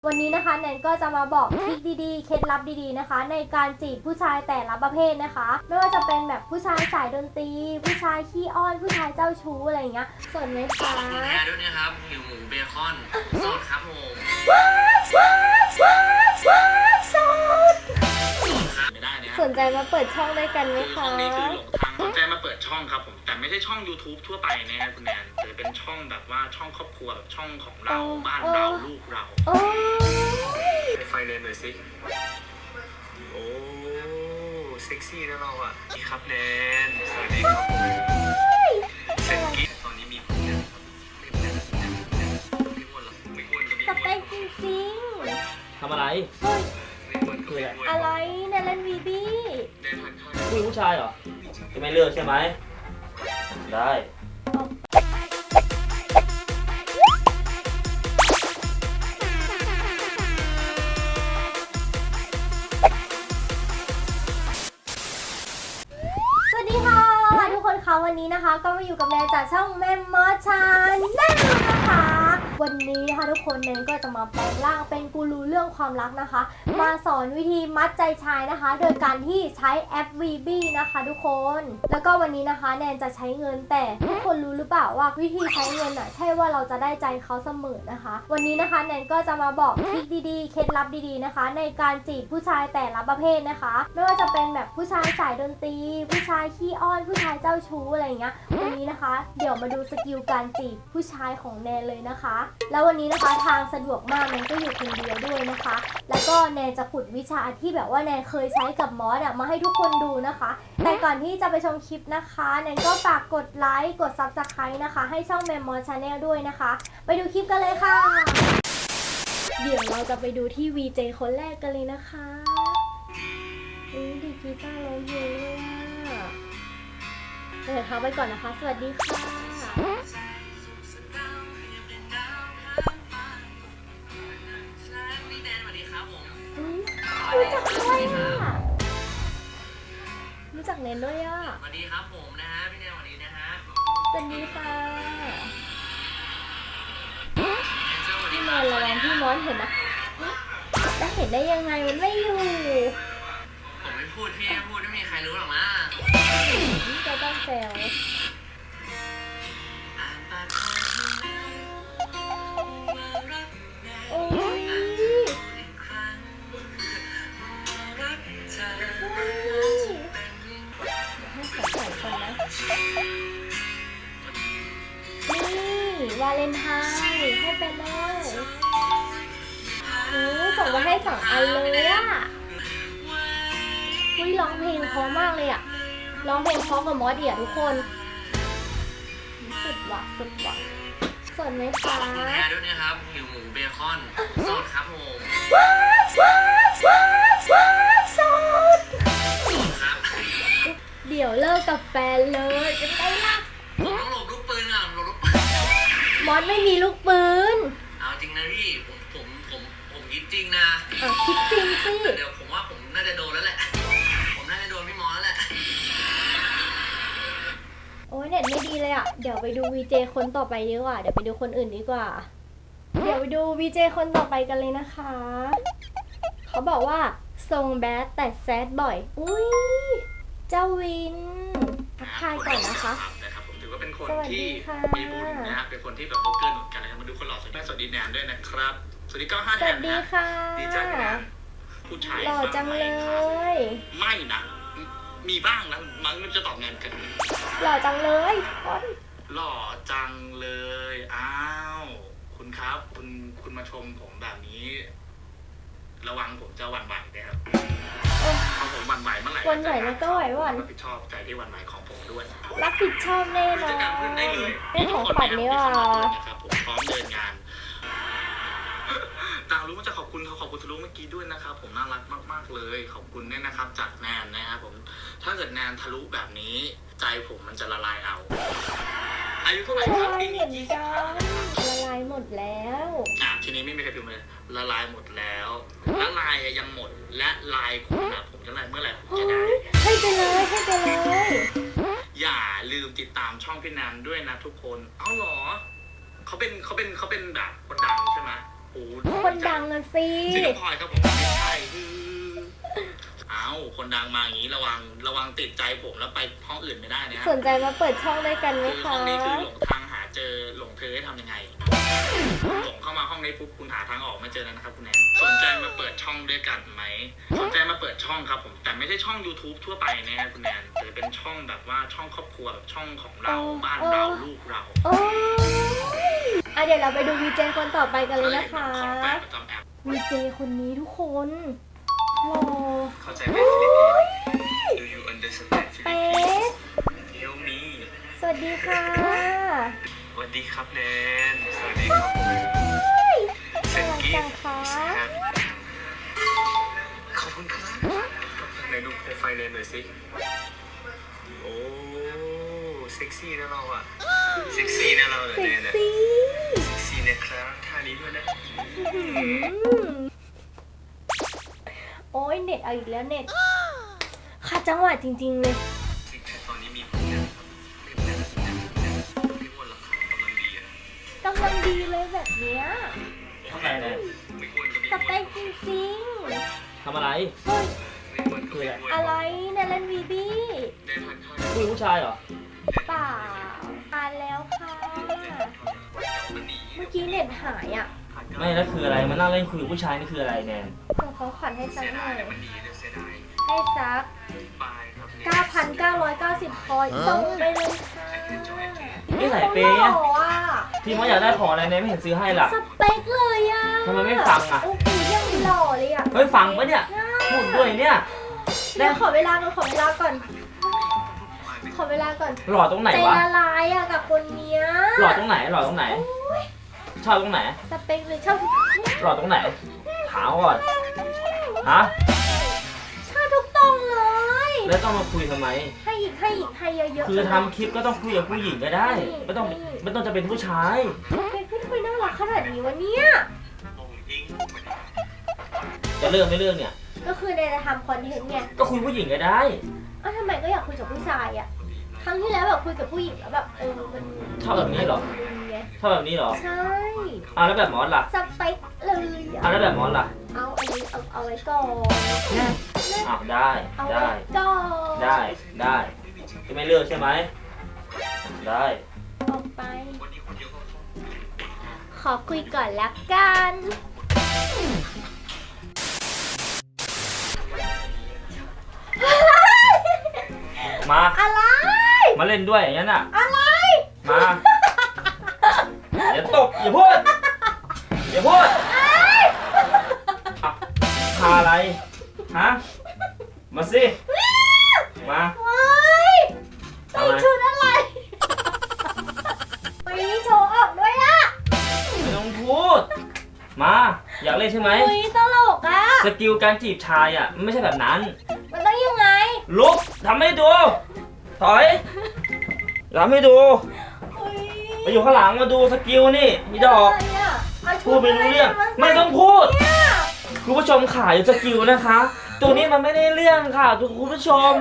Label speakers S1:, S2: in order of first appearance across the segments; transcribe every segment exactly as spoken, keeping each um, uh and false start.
S1: วันนี้นะคะแนนก็จะมาบอกทริคดีๆเคล็ดลับดีๆนะคะในการจีบผู้ชายแต่ละประเภทนะคะไม่ว่าจะเป็นแบบผู้ชายสายดนตรีผู้ชายขี้อ้อนผู้ชายเจ้าชู้อะไรอย่างเงี้ยสนไหมคะ
S2: คุณแอร์ด้วยนะครับหิวหมูเบคอนสดครับผม
S1: ว้ายว้ายว้ายว้ายสด
S2: ไม่ได้นะ
S1: สนใจมาเปิดช่องด้วยกันไหม
S2: ช่อ
S1: คะ
S2: งนี้คือหลงทางสนใจมาเปิดช่องครับผมแต่ไม่ใช่ช่อง YouTube ทั่วไปนะฮะคุณแอนแต่เป็นช่องแบบว่าช่องครอบครัวแบบช่องของเราบ้านเราลูกเรา
S1: โอ้ย
S2: ให้ไฟเลนหน่อยสิโอ้เซ็กซี่นะเราอ่ะนี่ครับแนนสวัสดีครับเซ็กกี้ตอนนี้มีผมเนี่ยไม่อ้วนไม่อ้วนหรอกไม่อ้วนก็ไม่
S1: ส
S2: อ้วน
S1: เปคจริง
S3: ทำอะไร
S1: ๆเฮ้ย
S2: ไม่อ้วนก็ไม่อ้วน
S1: อะไรแนนเล่นวีบี้
S2: แนนทานข้าว
S3: ผู้หญิงผู้ชายเหรอ จะไม่เลือกใช่ไหม ได้
S1: สวัสดีค่ะทุกคนคะวันนี้นะคะก็มาอยู่กับแนนจากช่องแมมมอชาแนลนะคะวันนี้นะคะทุกคนแนนก็จะมาแปลงร่างเป็นกูรูเรื่องความรักนะคะ มาสอนวิธีมัดใจชายนะคะ โดยการที่ใช้แอป วี บี นะคะทุกคนแล้วก็วันนี้นะคะแนนจะใช้เงินแต่ทุกคนรู้หรือเปล่าว่าวิธีใช้เงินอ่ะใช่ว่าเราจะได้ใจเขาเสมอนะคะ วันนี้นะคะแนนก็จะมาบอกทริคดีๆเคล็ดลับดีๆนะคะ ในการจีบผู้ชายแต่ละประเภทนะคะไม่ว่าจะเป็นแบบผู้ชายสายดนตรีผู้ชายขี้อ้อนผู้ชายเจ้าชู้อะไรอย่างเงี้ยวันนี้นะคะเดี๋ยวมาดูสกิลการจีบผู้ชายของแนนเลยนะคะ แล้ววันนี้นะคะทางสะดวกมากแนนก็อยู่คนเดียวด้วยนะคะ แล้วก็แนนจะขุดวิชาที่แบบว่าแนนเคยใช้กับมอสอะมาให้ทุกคนดูนะคะ แต่ก่อนที่จะไปชมคลิปนะคะแนนก็ฝากกดไลค์กด ซับสไครบ์ นะคะให้ช่องแมมมอสชาแนลด้วยนะคะ ไปดูคลิปกันเลยค่ะ เดี๋ยวเราจะไปดูที่ วี เจ คนแรกกันเลยนะคะอุ้ยดีกีตาร์ร้องเพลงเลยอะเดี๋ยวเขาไปก่อนนะคะ สวัสดีค่ะรู้จักด้วยอ่ะรู้จักเนนด้วยอ่ะ
S2: สวัสดีครับผมนะฮะพี่แนนสวัสดีนะฮะ
S1: สวัสดีค่ะ
S2: พี่
S1: พี่มอนระวังพี่มอนเห็นนะจะเห็นได้ยังไงมันไม่อยู่
S2: ผมไม่พูดพี่ไม่พูดไม่มีใครรู้หรอกนะ
S1: นี่จะต้องแซวโอ้ยให้ขอใส่ก่อนนะนี่วาเลนไทน์ให้ไปเลยโอ้ส่งมาให้สองอันเลยอ่ะอุ้ยร้องเพลงเพราะมากเลยอ่ะร้องเพลงเพราะกับมอสเดียทุกคนสุดว่ะสุดว่ะสนไหมคะ
S2: คุณแอร์ด้วยนะครับหิวหมูเบคอนสดครับผม
S1: ว้ายว้ายว้ายว้ายสด
S2: ครับ
S1: เดี๋ยวเลิกกับแฟนเลยเป็นไงล่ะ
S2: ผมต้องหลบลูกปืนอ่ะหลบลูกปืน
S1: มอสไม่มีลูกปืน
S2: เอาจริงนะพี่ผมผมผมผมคิดจริงนะ
S1: อ่ะคิดจริงสิ
S2: เดี๋ยวผมว่าผมน่าจะโดนแล้วแหละผมน่าจะโดนพี่มอแล้วแหละ
S1: โอ้ยเน็ตไม่ดีเลยอ่ะเดี๋ยวไปดู วี เจ คนต่อไปดีกว่าเดี๋ยวไปดูคนอื่นดีกว่า เดี๋ยวไปดู วี เจ คนต่อไปกันเลยนะคะ เขาบอกว่าทรงแบดแต่แซดบ่อยอุ้ยเจ้าวินทักทายก่อนนะคะ
S2: นะครับผมถือว่าเป็นคน
S1: สวัสดี
S2: ที่
S1: ค่ะ
S2: มีบุญนะฮะเป็นคนที่แบบโบเกอร์หนุนกันนะครับมาดูคนหล่อสวัสดีสวัสดีแนนด้วยนะครับสวัสดีเก้าห้า
S1: ส
S2: แน
S1: วัส
S2: น
S1: ดี
S2: นะ
S1: ค่ะ
S2: ดีใจแนนผู้ชาย
S1: หล่อจังเลย
S2: ไม่นะมีบ้างนะมันมันจะตอบแนนกัน
S1: หล่อจังเลยคน
S2: หล่อจังเลยอ้าวคุณครับคุณคุณมาชมผมแบบนี้ ระวังผมจะหวั่นไหวนะครับ
S1: โอ้
S2: พอผมหวั่นไหวเมื่อไหร่
S1: หวั่นไหวแล้วก็ไหวหวั่น
S2: รับผิดชอบใจที่หวั่นไหวของผมด้วย
S1: รับผิดชอบแน่นอ
S2: จะ
S1: น
S2: การขึ้นได้เลย
S1: เป็นของขวัญนี่ว่า
S2: นะครับผมพร้อมเดินงานต่างรู้ว่าจะขอบคุณเขาขอบคุณทะลุเมื่อกี้ด้วยนะครับผมน่ารักมากๆเลยขอบคุณเนี่ยนะครับจากแนนนะครับผมถ้าเกิดแนนทะลุแบบนี้ใจผมมันจะละลายเอาอายุเท่าไหร่
S1: ละ
S2: ครับ
S1: ลาย
S2: ปี
S1: เห
S2: นี้
S1: มือน
S2: ยี่สิบ
S1: กั
S2: ห้าน
S1: ละลายหมดแล้ว
S2: อ่ะทีนี้ไม่มีใครพิมพ์เลยละลายหมดแล้วละลายยังหมดและลายคุณนะผมจะลายเมื่อไหร่ผม
S1: โอ้
S2: จะได้
S1: ยให้ไปเลยให้ไปเลย
S2: อย่าลืมติดตามช่องพี่แนนด้วยนะทุกคนเอ้าเหรอเขาเป็นเขาเป็นเขาเป็นแบบคนดังใช่ไหมโอ้
S1: คนดังอะสิ
S2: ชื่อน้องพลอยครับผมไม่ใช่คือ
S4: เอ้าคนดังมาอย่างนี้ระวังระวังติดใจผมแล้วไปห้องอื่นไม่ได้นะฮะ
S1: สนใจมาเปิดช่องด้วยกันไหม
S4: คือห้
S1: คะ
S4: องนี้คือหลงทางหาเจอหลงเธอให้ทำยังไงหลงเข้ามาห้องนี้ปุ๊บคุณหาทางออกไม่เจอแล้วนะครับคุณแนนสนใจมาเปิดช่องด้วยกันไหมสนใจมาเปิดช่องครับผมแต่ไม่ใช่ช่อง YouTube ทั่วไปนะฮะคุณแนนแต่เป็นช่องแบบว่าช่องครอบครัวแบบช่องของเราบ้านเราลูกเรา
S1: โอ้ยอ่ะเดี๋ยวเราไปดูวีเจคนต่อไปกันเลยนะคะ
S4: ของแปลกประจำแอป
S1: วีเจคนนี้ทุกคนหล่อ
S2: เข้าใจไหมฟิลิปปินส์ Do you understand ฟิลิป
S1: เป๊
S2: ปิน
S1: ะ
S2: ส์ Help me
S1: สวัสดีค่ะ
S2: สวัสดีครับแนนสวัสดีครับผมเซนกิฟต์ขอบคุณครับไหนดูโปรไฟล์แนนหน่อยสิโอ้เซ็กซี่นะเราอะเซ็กซี่นะเราเหรอ
S1: เซ็
S2: แน
S1: ก
S2: นอะ
S1: ซี่
S2: เซ็กซี่นะครับท่านี้ด้วยนะ
S1: อืมโอ้ยเน็ตเอาอีกแล้วเน็ตขาดจังหวะจริงๆเลย
S2: ซิกแพคตอนนี้มีคุณนะครับไม่อ้วนไม่อ้วนหรอกครับกำลังดีอะ
S1: กำลังดีเลยแบบเนี้ย
S3: ทำอะไรเนี่ย
S2: ไม่อ้วนก็ไม่
S1: ส
S2: อ้วน
S1: เปคจริง
S3: ทำอะไร
S1: ๆเฮ้ย
S2: ไม่อ้วนก็ไม่อ้วน
S1: อะไรเนยเล่นวีบี้
S2: ได้ทานข้าว
S3: คุยผู้ชายเหรอ
S1: เปล่าทานแล้วค่ะ
S2: มันดี
S1: เมื่อกี้เน็ตหายอ่ะ
S3: ไม่แล้วคืออะไรมานั่งเล่นคุยกับผู้ชายนี่คืออะไรแนน
S1: เดี๋ยวเขาขันให้สั
S2: เสี
S1: ก
S2: ย
S1: หน่
S2: ดา
S1: อย ย
S2: มันดีเลยเสียดาย
S1: ให้สัก
S2: บายครับเนี่ย
S1: เก้าพันเก้าร้อยเก้าสิบ คอยส่งไปเลยค่ะ
S3: นี่ใส่เปย์
S1: ห
S3: อะ
S1: ล่ออ่ะ
S3: ที่ว่าอยากได้ของอะไรแนนไม่เห็นซื้อให้ล่ะ
S1: สเปคเลยอ่ะ
S3: ทำไมไม่ฟังอะ
S1: โอ้โหยังหล่อเลยอ่ะ
S3: เฮ้ยฟังปะเนี่ยพูดด้วยเนี่ย
S1: เดี๋ยวขอเวลาก่อนขอเวลาก่อน ขอเวลาก่อน
S3: หล่อตรงไหน
S1: ใจ
S3: วะ
S1: ละลายอ่ะกับคนเนี้ย
S3: หล่อตรงไหนหล่อตรงไหน ชอบตรงไหน
S1: สเปคเลยชอบ
S3: หล่อตรงไหนถามก่อนฮะ
S1: ชอบทุกตรงเลย
S3: แล้วต้องมาคุยทำไม
S1: ให้อีกให้อีกให้เยอะๆ
S3: คือทำคลิปก็ต้องคุยกับผู้หญิงก็ได้ไม่ต้องไม่ต้องจะเป็นผู้ชาย
S1: สเปคพี่ทำไมน่ารักขนาดนี้วะเนี่ย
S2: ผมอิง
S3: จะเลิกไม่เลิกเนี่ย
S1: ก็คือในจะทำคอนเทนต์ไง
S3: ก็คุยผู้หญิงก็ได้
S1: อ้าวทำไมก็อยากคุยกับผู้ชายอ่ะ ครั้งที่แล้วแบบคุยกับผู้หญิงแล้วแบบเออมัน
S3: ชอบแบบนี้เหรอ
S1: ดีไง
S3: ชอบแบบนี้เหรอ
S1: ใช่
S3: อ่ะแล้วแบบมอสล่ะ
S1: สเปคเลย
S3: อ่ะ
S1: อะ
S3: แล้วแบบมอสล่ะ
S1: เอาอันนี้เอาเอาไว้ก่อน
S3: อ้าวได้
S1: เอา
S3: ได้
S1: ไว้ก่อน
S3: ได้ได้จะไม่เลิกใช่ไหมได้
S1: ออกไป
S2: วันนี้คนเยอะก็
S1: ขอคุยก่อนละกัน
S3: มา
S1: อะไร
S3: มาเล่นด้วยอย่างนั้นอ่ะ
S1: อะไร
S3: มาอย่าตบอย่าพูดอย่าพูดอ่ะพาอะไรฮะมาสิมา
S1: เฮ้ยใส่ชุดอะไรวันนี้โชว์ออกด้วยอะ
S3: ไม่ต้องพูดมาอยากเล่นใช่ไหม
S1: เฮ้ยตลกอะ
S3: สกิลการจีบชายอ่ะมันไม่ใช่แบบนั้น
S1: มันต้องยังไง
S3: ลุกทำให้ดูถอยทำให้ดู
S1: เฮ้ย
S3: มาอยู่ข้างหลังมาดูสกิลนี่มีดอก
S1: อะไรอะเอาชุ
S3: พูดไม่รู้เรื่องไม่ต้องพูด
S1: เนี่ย
S3: คุณผู้ชมขายสกิลนะคะ ตัวนี้มันไม่ได้เรื่องค่ะคุณผู้ชม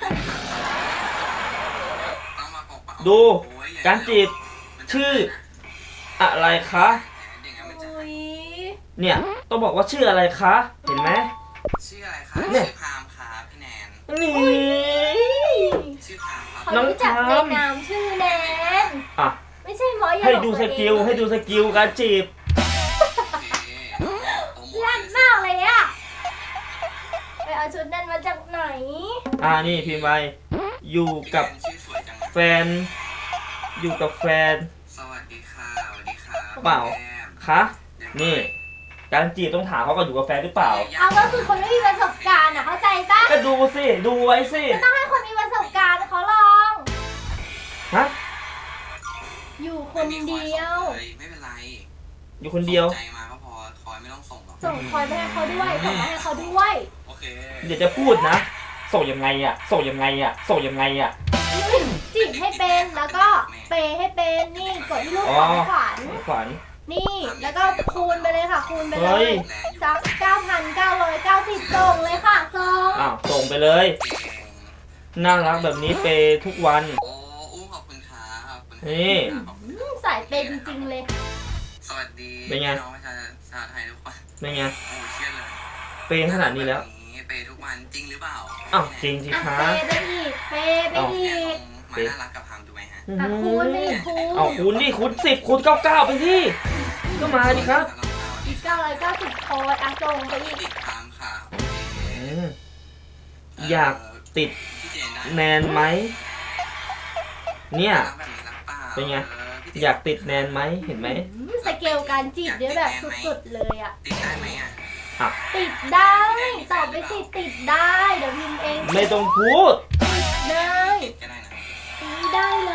S3: ดูการจีบชื่ออะไรคะ
S1: เฮ้ย
S3: เนี่ยต้องบอกว่าชื่ออะไรคะ เห็นไหม
S4: ชื่ออะไรคะ
S3: เนี่
S4: ชื่
S3: ย
S4: อพามครับพี่แนน
S3: นี่
S4: ชื่อพามครับ
S1: เขา
S3: น้อง
S1: รู้จัก
S3: ทาม
S1: ในนามชื่อแนน
S3: อ่ะ
S1: ไม่ใช่หมออย่า
S3: ให้
S1: หลอก
S3: ดูส
S1: ตัวเอง
S3: กิลให้ดูสกิลการจีบ
S4: โอเคโปรโมท
S1: ลั่นมากเลยอะไปเอาชุดนั้นมาจากไหน
S3: อ่านี่พิมพ์ไปอยู่กับ
S4: ชื่อสวยจังเลย
S3: แฟน อยู่กับแฟน
S4: สวัสดีค่ะสวัสดีค่ะ
S3: เปล่า
S4: แก้ม
S3: คะนี่ การจีบต้องถามเขาก่อนอยู่กับแฟนหรือเปล่า
S1: เอาก็คือคนไม่มีประสบการณ์อะเข้าใจปะ
S3: ก็ดูสิดูไว้สิ
S1: ก็ต้องให้คนมีประสบการณ์เขาลอง
S3: ฮะ
S1: อยู่คนเดียว
S4: ไม่เป็นไร
S3: อยู่คนเดียว
S4: ส่งใจมาก็พอคอยไม่ต้องส่งหรอก
S1: ส่งคอยไปให้เขาด้วยส่งมาให้เขาด้วย
S4: โอเค
S3: เดี๋ยวจะพูดนะ ส่งยังไงอ่ะ ส่งยังไงอ่ะ ส่งยังไงอ่ะ
S1: จีบให้เป็นแล้วก็เปย์ให้เป็นนี่กดที่รูปของขวัญ
S3: ขวัญ
S1: นี่แล้วก็คูณไปเลยค่ะ คูณไปเล
S3: เฮ้
S1: ย
S3: ย
S1: สักเก้าพันเก้าร้อยเก้าสิบส่งเลยค่ะส่ง
S3: อ้าวส่งไปเลย
S4: เก่ง
S3: น่ารักแบบนี้เปย์ทุกวัน
S4: โอ้อู้ขอบคุณครับขอบคุณครับ
S3: นี่
S4: ขอบคุณ
S1: อืมสายเปย์จริงๆเลย
S4: สวัสดี
S3: เป็นไง
S4: น้องประชาช
S5: ท้าทายทุกวัน
S3: เป็นไง
S5: โอ้เครียดเลย
S3: เปย์ขนาดนี้แล้ว
S5: เปย์ทุกวันจริงหรือเปล่า
S3: อ้าวจริงสิ
S1: อ่ะ
S3: คะ
S1: เปย์ไปอีกเปย์ไปอีก
S5: มาน่ารักกับพามถูกไหมฮะ
S1: อ่ะคูณไปอีกคูณ
S3: เอาคูณดิคูณสิบคูณเก้าเก้าไปที่ก็มาดิครับ
S1: อีกเก้าร้อยเก้าสิบโค้ดอ่ะส่งไปอีก
S5: ติดพามค่ะ
S3: อืมอยากติด
S5: พี่เจนได้
S3: แนนไหมเนี่ย
S5: รักแบบนี้รักเปล่า
S3: เป็นไง
S5: อพี่เจน
S3: อยากติดแนนไหมเห็นไหม
S1: อืมสเกลการจีบเนี่ยแบบสุดๆเลยอ่ะ
S5: ติดได้ไหมอ่ะ
S3: อ่ะ
S1: ติดได้ตอบไปสิติดได้เดี๋ยวพิมพ์เอง
S3: ไม่ต้องพูด
S1: ได้
S5: ติดก็ได้นะ
S1: ตีได้เลย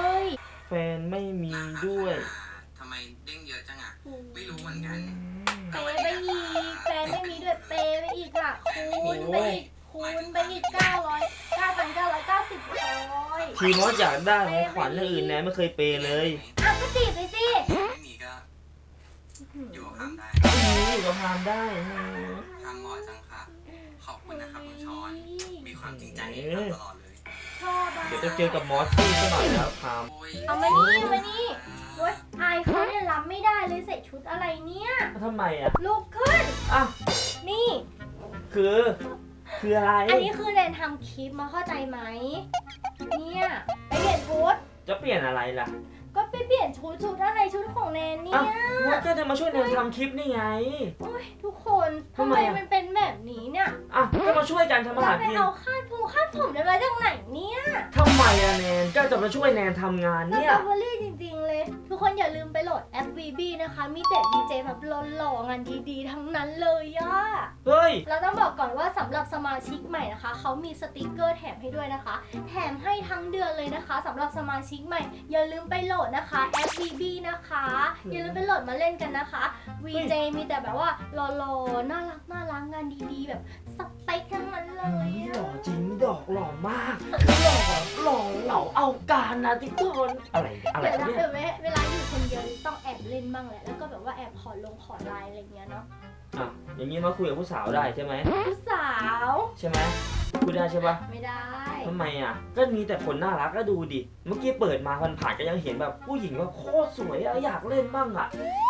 S3: แฟนไม่มีด้วย
S5: ทำไมเด้งเยอะจังอ่ะไม่รู้เหมือนกัน
S1: เปย์ไปอีกแฟนไม่มีด้วยเปย์ไปอีกอ่ะคูณไปอีกคูณไปอีกเก้าร้อยเก้าพันเก้าร้อยเก้าสิบโอ้ย
S3: ทีมอสอยากได้ของขวัญเรื่องอื่นแนนไม่เคยเปย์เลย
S1: อ่ะก็จีบไปสิ
S5: ไม่มีก็อยู่กับพามได้
S3: นี่ก็ทำได้
S5: พามเหมาะจังค่ะ ขอบคุณนะครับคุณช้อน มีความจริงใจในการตลอดเลย
S1: ชอบอ่ะ
S3: เดี๋ยวจะเจอกับมอสซี่ซะหน่อยแล้วพาม
S5: โอ้ย
S1: เอามานี่มานี่โอ๊ยอายเขาเนี่ยรับไม่ได้เลยใส่ชุดอะไรเนี่ย
S3: ทำไมอ่ะ
S1: ลุกขึ้น
S3: อ่ะ
S1: นี่
S3: คือ คืออะไร
S1: อันนี้คือแนนทำคลิปมาเข้าใจไหมเนี่ยไปเปลี่ยนชุด
S3: จะเปลี่ยนอะไรล่ะ
S1: ก็ไปเปลี่ยนชุดชุดอะไรชุดของแนนเนี่
S3: อ่ะ
S1: ย
S3: มอสก็จะมาช่วยแนนทำคลิปนี่ไง
S1: โอ้ยทุกคน
S3: ทำ
S1: ทำ
S3: ไม
S1: ไม
S3: อะ
S1: มันเป็นแบบนี้เนี่ย
S3: อ่ะก็มาช่วยกันทำอา
S1: เรา
S3: หาร
S1: ไป
S3: กิน
S1: เอาคาดผมคาดผมได้มาจากไหนเนี่ย
S3: ทำไมอะแนนก็จะมาช่วยแนนทำงาน
S1: ส
S3: เนี่
S1: ต
S3: ย
S1: รอเบอรี่จริงๆเลย ทุกคนอย่าลืมไปโหลดแอป วี บี นะคะ มีแต่ดีเจแบบหล่อๆงานดีๆ ทั้งนั้นเลยอะ
S3: เฮ้ย
S1: เราต้องบอกก่อนว่าสำหรับสมาชิกใหม่นะคะ เขามีสติกเกอร์แถมให้ด้วยนะคะ แถมให้ทั้งเดือนเลยนะคะสำหรับสมาชิกใหม่ อย่าลืมไปโหลดนะคะแอป วี บี นะคะ อย่าลืมไปโหลดมาเล่นกันนะคะ วี เจ มีแต่แบบว่าหล่อๆน่ารักน่ารักงานดีๆ แบบสเปคทั้งนั้นเลย
S3: หล่
S1: อะ
S3: อจริงดอกหล่อมากหล่อหล่อเหล่าเอาการนะทุกคนอะไรอะไร
S1: เดี๋ยวนะ
S3: เนี่ย
S1: เดี๋ยวเวเวลาอยู่คนเดียวต้องแอบเล่นบ้างแหละ แล้วก็แบบว่าแอบขอลงขอไลน์อะไรเงี้ยเนาะ
S3: อ่ะอย่างนี้มาคุยกับผู้สาวได้ใช่ไหม
S1: ผู้สาว
S3: ใช่ไหมพูดได้ใช่ปะ
S1: ไม่ได้
S3: ทำไมอ่ะก็มีแต่คนน่ารักก็ดูดิเมื่อกี้เปิดมาผ่านๆก็ยังเห็นแบบผู้หญิงแบบโคตรสวยอะอยากเล่นบ้างอ่ะ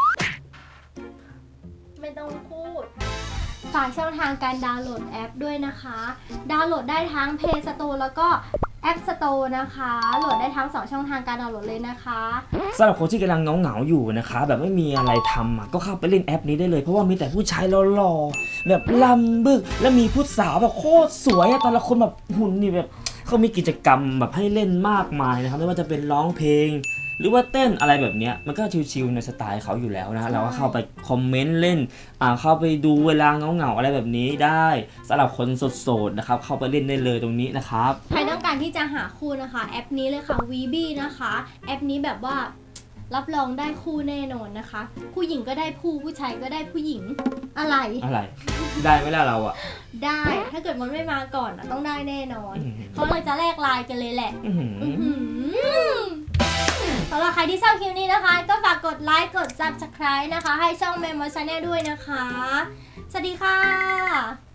S1: ไม่ต้องพูด ฝากช่องทางการดาวน์โหลดแอปด้วยนะคะ ดาวน์โหลดได้ทั้ง Play Store แล้วก็ App Store นะคะ โหลดได้ทั้งสองช่องทางการดาวน์โหลดเลยนะคะ
S3: สำหรับคนที่กำลังเหงาๆอยู่นะคะแบบไม่มีอะไรทำอ่ะก็เข้าไปเล่นแอปนี้ได้เลยเพราะว่ามีแต่ผู้ชายหล่อๆแบบลำบึกและมีผู้สาวแบบโคตรสวยอะแต่ละคนแบบหุ่นนี่แบบเขามีกิจกรรมแบบให้เล่นมากมายนะครับไม่ว่าจะเป็นร้องเพลง หรือว่าเต้นอะไรแบบเนี้ยมันก็ชิวๆในสไตล์เขาอยู่แล้วนะเราก็เข้าไปคอมเมนต์เล่นอ่าเข้าไปดูเวลาเหงาๆอะไรแบบนี้ได้สำหรับคนโสดๆนะครับเข้าไปเล่นได้เลยตรงนี้นะครับ
S1: ใครต้องการที่จะหาคู่นะคะ แอปนี้เลยค่ะ วี บี นะคะ แอปนี้แบบว่ารับรองได้คู่แน่นอนนะคะ ผู้หญิงก็ได้ผู้ผู้ชายก็ได้ผู้หญิงอะไร
S3: อะไรได้ไหมล่ะเราอ่ะ
S1: ได้ถ้าเกิดมันไม่มาก่อนอะต้องได้แน่นอน
S3: อื้อหือ
S1: เขาเลยจะแลกไลน์กันเลยแหละ
S3: อื้อหือ
S1: อื้อหือสำหรับใครที่ชอบคลิปนี้นะคะ ก็ฝากกดไลค์กด ซับสไครบ์ นะคะ ให้ช่อง Memo Channel ด้วยนะคะ สวัสดีค่ะ